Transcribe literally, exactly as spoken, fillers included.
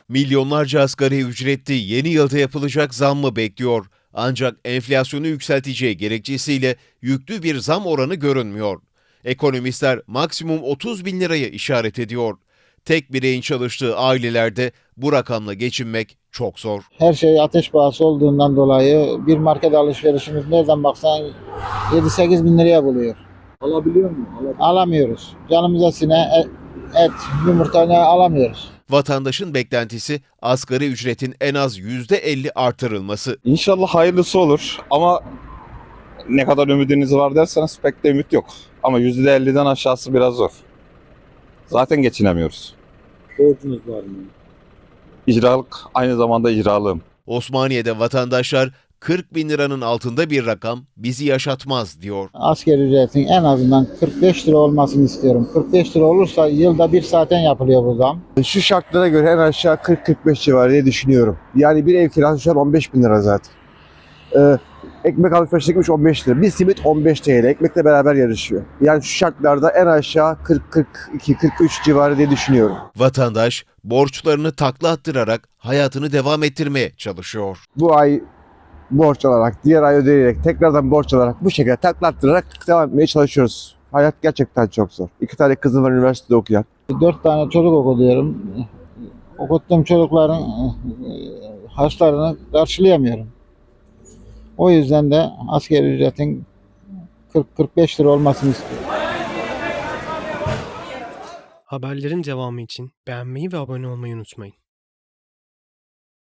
Milyonlarca asgari ücretli yeni yılda yapılacak zammı bekliyor. Ancak enflasyonu yükselteceği gerekçesiyle yüklü bir zam oranı görünmüyor. Ekonomistler maksimum otuz bin liraya işaret ediyor. Tek bireyin çalıştığı ailelerde bu rakamla geçinmek çok zor. Her şey ateş pahası olduğundan dolayı bir market alışverişimiz nereden baksan yedi sekiz bin liraya buluyor. Alabiliyor mu? Alabiliyor. Alamıyoruz. Canımıza sine et, et yumurta ne alamıyoruz. Vatandaşın beklentisi asgari ücretin en az yüzde elli artırılması. İnşallah hayırlısı olur ama ne kadar ümidiniz var derseniz pek de ümit yok. Ama yüzde elliden aşağısı biraz zor. Zaten geçinemiyoruz. Borcunuz var mı? İcralık aynı zamanda icralığım. Osmaniye'de vatandaşlar kırk bin liranın altında bir rakam bizi yaşatmaz diyor. Asgari ücretin en azından kırk beş lira olmasını istiyorum. kırk beş lira olursa yılda bir saatten yapılıyor bu zam. Şu şartlara göre en aşağı kırk kırk beş civarı diye düşünüyorum. Yani bir ev kirası şu an on beş bin lira zaten. Ee, ekmek alışverişe gitmiş on beş lira. Bir simit on beş T L. Ekmekle beraber yarışıyor. Yani şu şartlarda en aşağı kırk kırk iki kırk üç civarı diye düşünüyorum. Vatandaş borçlarını takla attırarak hayatını devam ettirmeye çalışıyor. Bu ay borç alarak, diğer ay ödeyerek, tekrardan borç alarak bu şekilde taklattırarak devam etmeye çalışıyoruz. Hayat gerçekten çok zor. İki tane kızım var üniversitede okuyan. Dört tane çocuk okuyorum. Okuttuğum çocukların e, harçlarını karşılayamıyorum. O yüzden de asgari ücretin kırk kırk beş lira olmasını istiyorum. Haberlerin devamı için beğenmeyi ve abone olmayı unutmayın.